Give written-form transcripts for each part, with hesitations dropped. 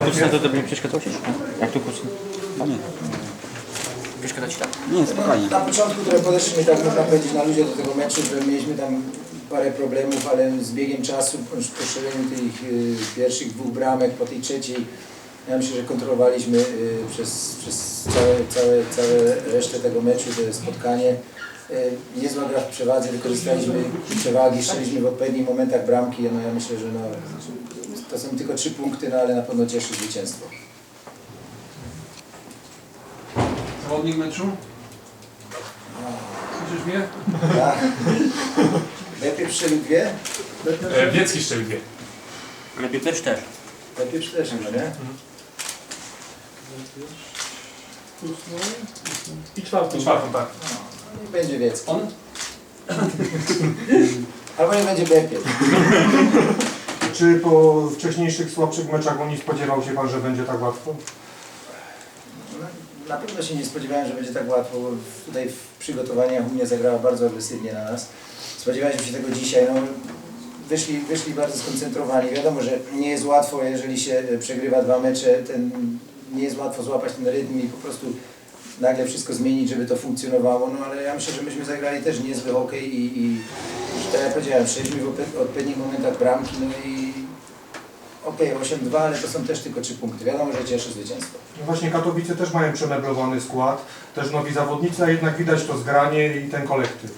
Kucnę to tobie nie przeszkadzało się? Jak tu kucnę? A nie. Przeszkadza ci tak? Nie, spokojnie. Na początku trochę podeszliśmy, tak można powiedzieć, na ludzie do tego meczu, że mieliśmy tam parę problemów, ale z biegiem czasu, po strzeleniu tych pierwszych dwóch bramek, po tej trzeciej, ja myślę, że kontrolowaliśmy przez całe resztę tego meczu, to spotkanie. Niezła gra w przewadze, wykorzystaliśmy przewagi, strzeliśmy w odpowiednich momentach bramki. No ja myślę, że no, to są tylko 3 punkty, no ale na pewno cieszy zwycięstwo. Zawodnik meczu? Słyszysz mnie? Tak. Lepiej strzelił 2? Wiecki strzelił 2. Ale Piłkarz też. Lepiej też, no nie? I czwartą, tak. No, nie będzie Wiecki. On? Albo nie będzie lepiej. Czy po wcześniejszych słabszych meczach nie spodziewał się Pan, że będzie tak łatwo? No, na pewno się nie spodziewałem, że będzie tak łatwo. Tutaj w przygotowaniach Unia zagrała bardzo agresywnie na nas. Spodziewaliśmy się tego dzisiaj. No, wyszli bardzo skoncentrowani. Wiadomo, że nie jest łatwo, jeżeli się przegrywa 2 mecze, nie jest łatwo złapać ten rytm i po prostu nagle wszystko zmienić, żeby to funkcjonowało. No ale ja myślę, że myśmy zagrali też niezły hokej i tak jak powiedziałem, strzeliśmy w odpowiednich momentach bramki, no i okej, 8-2, ale to są też tylko 3 punkty. Wiadomo, że cieszy zwycięstwo. No właśnie Katowice też mają przemeblowany skład, też nowi zawodnicy, a jednak widać to zgranie i ten kolektyw.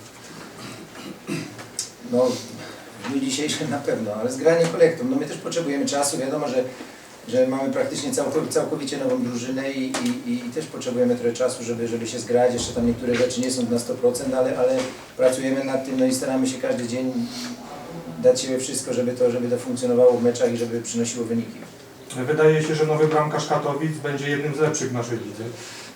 No, w dniu dzisiejszym na pewno, ale zgranie kolektum. No my też potrzebujemy czasu, wiadomo, że mamy praktycznie całkowicie nową drużynę i też potrzebujemy trochę czasu, żeby się zgrać. Jeszcze tam niektóre rzeczy nie są na 100%, ale pracujemy nad tym, no i staramy się każdy dzień dać siebie wszystko, żeby to funkcjonowało w meczach i żeby przynosiło wyniki. Wydaje się, że nowy bramkarz Katowic będzie jednym z lepszych w naszej lidze.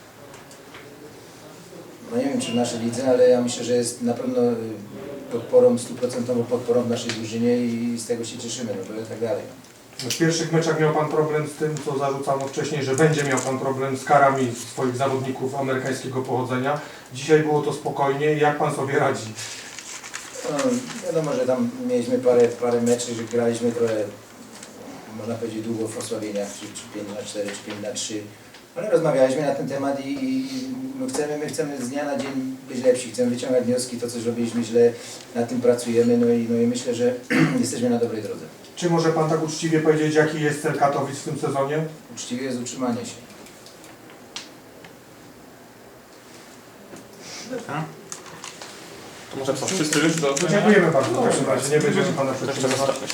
No nie wiem, czy w naszej lidze, ale ja myślę, że jest na pewno podporą, 100% podporą w naszej drużynie i z tego się cieszymy, no bo tak dalej. W pierwszych meczach miał Pan problem z tym, co zarzucano wcześniej, że będzie miał Pan problem z karami swoich zawodników amerykańskiego pochodzenia. Dzisiaj było to spokojnie. Jak Pan sobie radzi? No, wiadomo, że tam mieliśmy parę meczów, że graliśmy trochę, można powiedzieć, długo w osłabieniach, czy 5-4, czy 5-3. Ale rozmawialiśmy na ten temat i my chcemy z dnia na dzień być lepsi, chcemy wyciągać wnioski, to co zrobiliśmy źle, nad tym pracujemy, no i myślę, że jesteśmy na dobrej drodze. Czy może Pan tak uczciwie powiedzieć, jaki jest cel Katowic w tym sezonie? Uczciwie jest utrzymanie się. To może co, wszyscy już do... Dziękujemy bardzo. W takim razie nie będziemy Pana To jeszcze przetrzymywać. zostawić.